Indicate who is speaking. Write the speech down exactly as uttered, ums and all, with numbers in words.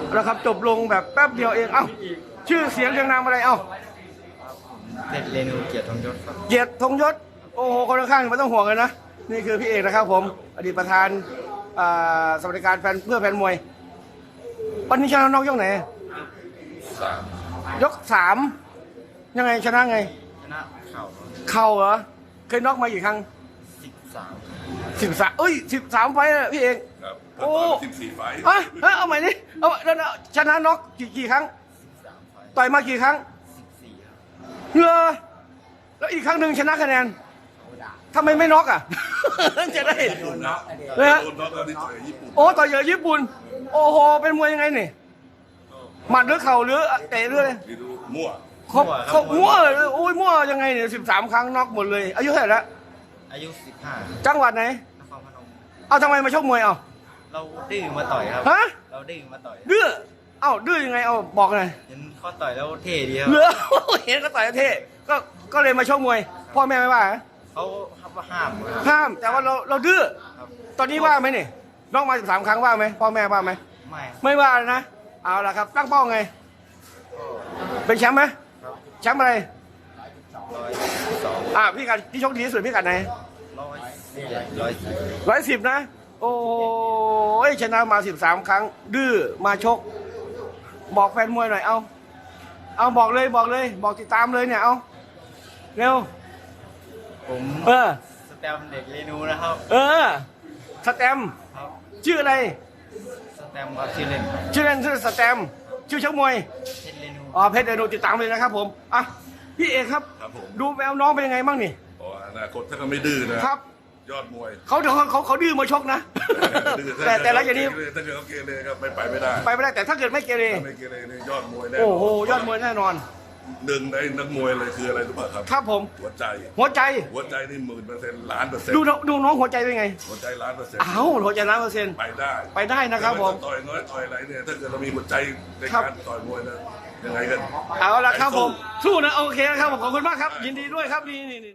Speaker 1: แล้วครับจบลงแบบแป๊บเดียวเองเอ้าชื่อเสียงเรียงนามอะไรเอ้า
Speaker 2: เพชรเรนูเกียรติทองยศครับ
Speaker 1: เกียรติธงยศโอ้โหคนข้างๆไม่ต้องห่วงเลยนะนี่คือพี่เอกนะครับผมอดีตประธานสวัสดิการแฟนเพื่อแฟนมวยวันนี้ชนะน็อกยกไหนยกสามยังไงชนะไง
Speaker 2: ชนะเข่า
Speaker 1: เข่าเหรอเคยน็อกมากี่ครั้ง
Speaker 2: สิบสาม
Speaker 1: สิบสามเอ้ยสิบสามไฟล์พี่เอก
Speaker 3: ครับ
Speaker 1: โอ้
Speaker 3: สิบสี่ไฟล์
Speaker 1: ฮะฮะเอาใหม่ดิเอาแล้วชนะน็อกกี่กี่ครั้ง
Speaker 2: สิบสามไฟ
Speaker 1: ต่อยมากี่ครั้ง
Speaker 2: สิบสี่ครับ
Speaker 1: เหรอแล้วอีกครั้งหนึ่งชนะคะแนนทำไมไม่น็อกอ่ะ จะได้
Speaker 3: โดนน็อก
Speaker 1: เลยฮะ
Speaker 3: โดนน็อกแล้วที่ต่อยญี่ปุ่น
Speaker 1: โอ้ต่อยเยอะญี่ปุ่นโอ้โหเป็นมวยยังไงนี่หมัดหรือเข่าหรือเตะหรืออะไร
Speaker 3: นี่ดูมั่ว
Speaker 1: ครบครบมั่วเลยโอ้ยมั่วยังไงเนี่ยสิบสามครั้งน็อกหมดเลยอายุเท่าไหร่แล้ว
Speaker 2: อายุสิบห้า
Speaker 1: จังหวัดไหน
Speaker 2: นครพนม
Speaker 1: เอาทำไมมาชกมวยเอา
Speaker 2: เราดื้อมาต่อยครับ
Speaker 1: ฮะ
Speaker 2: เราดื้อมาต่อย
Speaker 1: ดื้อเอ้าดื้อยังไงเอาบอกหน่อย
Speaker 2: เห็นเขาต่อยแล้วเท่ดีครับ
Speaker 1: เหลือ เห็นก็ต่อยเท่ก็ก็เลยมาชกมวยพ่อแม่ไม่ว่าเหรอ
Speaker 2: เขาเขาห้ามครับ
Speaker 1: ห้ามแต่ว่าเราเราดื้อ
Speaker 2: ครับ
Speaker 1: ตอนนี้ว่าไหมนี่น้องมาสิบสามครั้งว่าไหมพ่อแม่ว่าไหม
Speaker 2: ไม่
Speaker 1: ไม่ว่าเลยนะเอาละครับตั้งเป้าไงเป็นแชมป์ไหม
Speaker 2: ครับ
Speaker 1: แชมป์อะไร
Speaker 2: ร้อยสอง
Speaker 1: อ่าพี่กัดที่ชกดีที่สุดพี่กัดไหน
Speaker 2: ร้อยเจ็ดร้อยสี่
Speaker 1: ร้อยสิบนะ โอ้ยชนะมาสิบสามครั้ง ดื้อมาชก บอกแฟนมวยหน่อยเอาเอาบอกเลยบอกเลย บอกติดตามเลยเนี่ยเอาเร็ว
Speaker 2: ผม
Speaker 1: เออ
Speaker 2: สแตมป์เด็กเรนูนะครับ
Speaker 1: เออสแตมป์
Speaker 2: ครับ
Speaker 1: ชื่ออะไร
Speaker 2: สแตมป์ครับชื่อเล่น
Speaker 1: ชื่อเล่นชื่อสแตมป์ชื่อชกมวย
Speaker 2: เพชรเรนู
Speaker 1: อ๋อเพชรเดนูติดตามเลยนะครับผมอ่ะพี่เอกครับ
Speaker 3: ครับผม
Speaker 1: ดูแววน้องเป็นยังไงบ้างนี่
Speaker 3: อ๋ออนาคตถ้าเขาไม่ดื้อนะครับ ยอดมวย
Speaker 1: เขาเขาเขาเขาดื้อมาชกนะ แต่แต่ละอย่างนี้
Speaker 3: ถ้าเกิดเขาเกเรครับไม่ไปไม่ได้
Speaker 1: ไปไม่ได้แต่ถ้าเกิดไม่เกเร
Speaker 3: ถ้าไม่เกเรเนี่ยยอดมวยแน่นน
Speaker 1: โอ้โหยอดมวยแน่นอน
Speaker 3: หนึ่งในนักมวยเลยคืออะไรรู้ป่ะครับ
Speaker 1: ครับผม
Speaker 3: หัวใจ
Speaker 1: หัวใจ
Speaker 3: หัวใจนี่หมื่นเปอร์เซ็นต์ล้านเปอร์เซ็นต์
Speaker 1: ดูน้องดูน้องหัวใจเป็นไง
Speaker 3: หัวใจล้านเปอร์เซ็นต์
Speaker 1: อ้าวหัวใจล้านเปอร์เซ็นต์
Speaker 3: ไปได้
Speaker 1: ไปได้นะครับผม
Speaker 3: ต่อยน้อยต่อยอะไรเนี่ยถ้าเกิดเรามีหัวใจใน
Speaker 1: ครับ
Speaker 3: การต่อยมวยนะยังไงกัน
Speaker 1: เอาละครับผมสู้นะโอเคนะครับผมขอบคุณมากครับ ยินดีด้วยครับนี่นี่